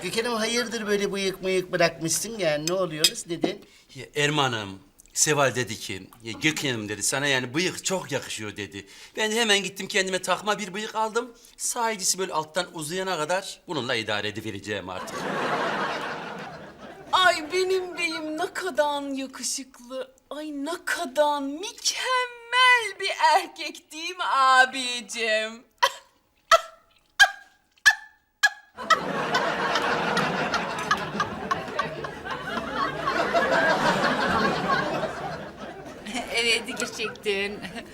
Gökhan'ım hayırdır böyle bıyık mıyık bırakmışsın yani ne oluyoruz neden? Ya Erman'ım, Seval dedi ki, ya Gökhan'ım dedi, sana yani bıyık çok yakışıyor dedi. Ben de hemen gittim kendime takma bir bıyık aldım. Sahicisi böyle alttan uzayana kadar bununla idare edivereceğim artık. Ay benim beyim ne kadar yakışıklı. Ay ne kadar mükemmel bir erkek değil mi abicim? Evet gerçekten.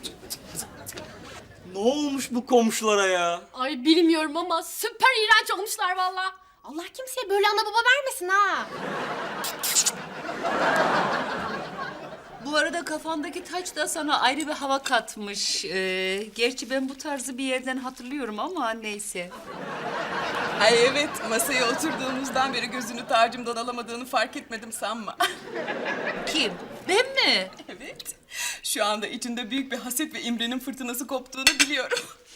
Ne olmuş bu komşulara ya? Ay bilmiyorum ama süper iğrenç olmuşlar valla. Allah kimseye böyle ana baba vermesin ha. Bu arada kafandaki taç da sana ayrı bir hava katmış. Gerçi ben bu tarzı bir yerden hatırlıyorum ama neyse. Ay evet, masaya oturduğumuzdan beri gözünü tacımdan alamadığını fark etmedim sanma. Kim? Ben mi? Evet, şu anda içinde büyük bir haset ve imrenin fırtınası koptuğunu biliyorum.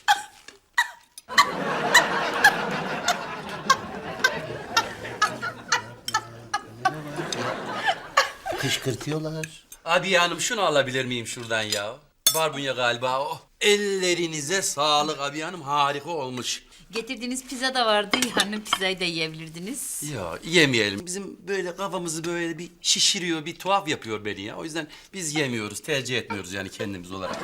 Kışkırtıyorlar. Abi hanım şunu alabilir miyim şuradan ya? Barbunya galiba o. Ellerinize sağlık abi hanım, harika olmuş. Getirdiğiniz pizza da vardı. Yarın pizzayı da yiyebilirdiniz. Ya yemeyelim. Bizim böyle kafamızı böyle bir şişiriyor, bir tuhaf yapıyor beni ya. O yüzden biz yemiyoruz, tercih etmiyoruz yani kendimiz olarak.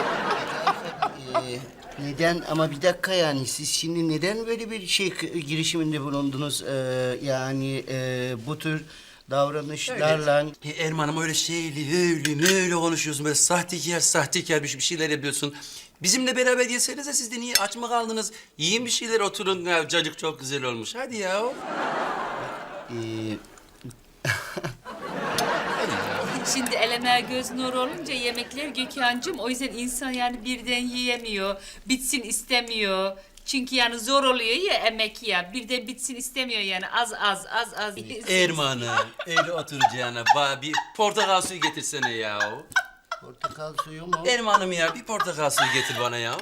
Neden ama bir dakika yani siz şimdi neden böyle bir girişiminde bulundunuz? Yani bu tür davranışlarla... Erman'ım öyle şeyli, öyle konuşuyorsun. Böyle sahtekar bir şeyler yapıyorsun. Bizimle beraber yesenize, siz de niye aç mı kaldınız? Yiyin bir şeyler, oturun. Ya, cacık çok güzel olmuş. Hadi ya. Ee, Şimdi eleme göz nuru olunca yemekler Gökhan'cığım. O yüzden insan yani birden yiyemiyor. Bitsin istemiyor. Çünkü yani zor oluyor ya emek ya. Birden bitsin istemiyor yani az. Erman'ım öyle oturacağına bir portakal suyu getirsene ya. portakal suyu mu? Erman'ım ya bir portakal suyu getir bana ya.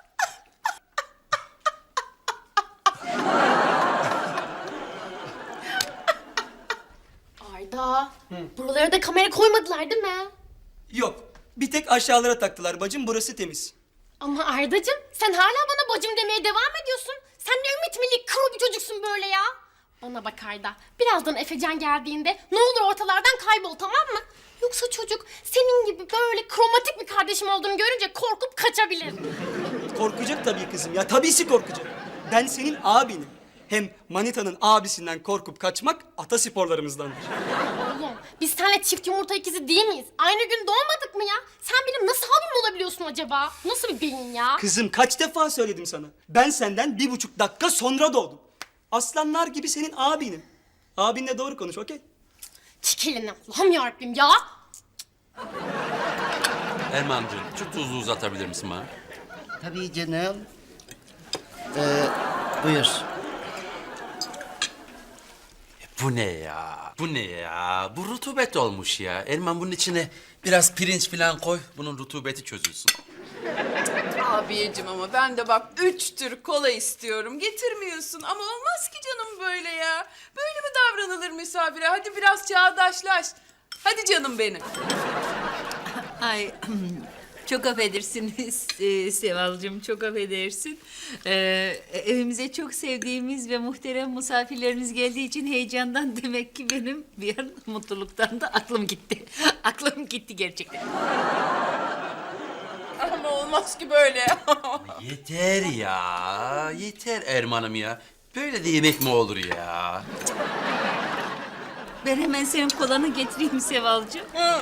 Arda, buralara da kamera koymadılar değil mi? Yok. Bir tek aşağılara taktılar bacım, burası temiz. Ama Ardacığım sen hala bana bacım demeye devam ediyorsun. Sen ne ümit milli kuru bir çocuksun böyle ya. Bana bak Arda, birazdan Efecan geldiğinde ne olur ortalardan kaybol tamam mı? Yoksa çocuk senin gibi böyle kromatik bir kardeşim olduğunu görünce korkup kaçabilir. Korkacak tabii kızım ya, tabisi korkacak. Ben senin abinim. Hem manitanın abisinden korkup kaçmak atasporlarımızdandır. Oğlum biz seninle çift yumurta ikizi değil miyiz? Aynı gün doğmadık mı ya? Sen benim nasıl abim olabiliyorsun acaba? Nasıl bir beyin ya? Kızım kaç defa söyledim sana. Ben senden 1,5 dakika sonra doğdum. Aslanlar gibi senin abinim. Abinle doğru konuş, okey? Çık elinden Allah'ım yarabbim ya. Erman'cığım şu tuzlu uzatabilir misin bana? Tabii canım. Buyur. Bu ne ya? Bu ne ya? Bu rutubet olmuş ya. Erman bunun içine biraz pirinç falan koy. Bunun rutubeti çözülsün. Abicim ama ben de bak 3 tür kola istiyorum. Getirmiyorsun ama olmaz ki canım böyle ya. Böyle mi davranılır misafire? Hadi biraz çağdaşlaş. Hadi canım benim. Ay çok affedersiniz Sevalcığım, çok affedersin. Evimize çok sevdiğimiz ve muhterem misafirlerimiz geldiği için heyecandan demek ki benim bir an mutluluktan da aklım gitti. Aklım gitti gerçekten. Ama olmaz ki böyle. Yeter ya. Yeter Erman'ım ya. Böyle de yemek mi olur ya? Ben hemen senin kolanı getireyim Sevalcığım. Hı.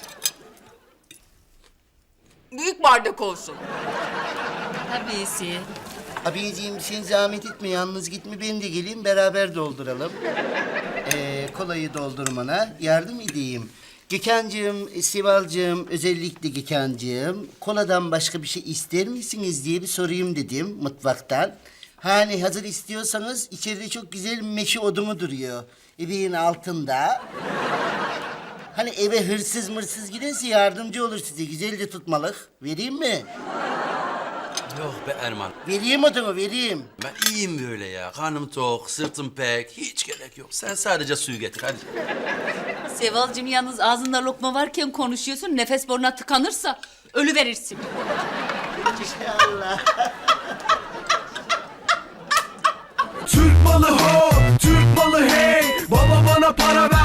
Büyük bardak olsun. Tabisi. Abiciğim sen zahmet etme yalnız gitme ben de geleyim beraber dolduralım. Kolayı doldurmana yardım edeyim. Gökhan'cığım, Sival'cığım, özellikle Gökhan'cığım koladan başka bir şey ister misiniz diye bir sorayım dedim mutfaktan. Hani hazır istiyorsanız içeride çok güzel meşe odunu duruyor. Ebeğin altında. Hani eve hırsız mırsız girerse yardımcı olur size. Güzel de tutmalık. Vereyim mi? Yok be Erman. Vereyim adamı, vereyim. Ben iyiyim böyle ya. Karnım tok, sırtım pek. Hiç gerek yok. Sen sadece suyu getir hadi. Sevalcığım yalnız ağzında lokma varken konuşuyorsun. Nefes boruna tıkanırsa ölü verirsin. İnşallah. Türk malı ho, Türk malı hey. Baba bana para ver.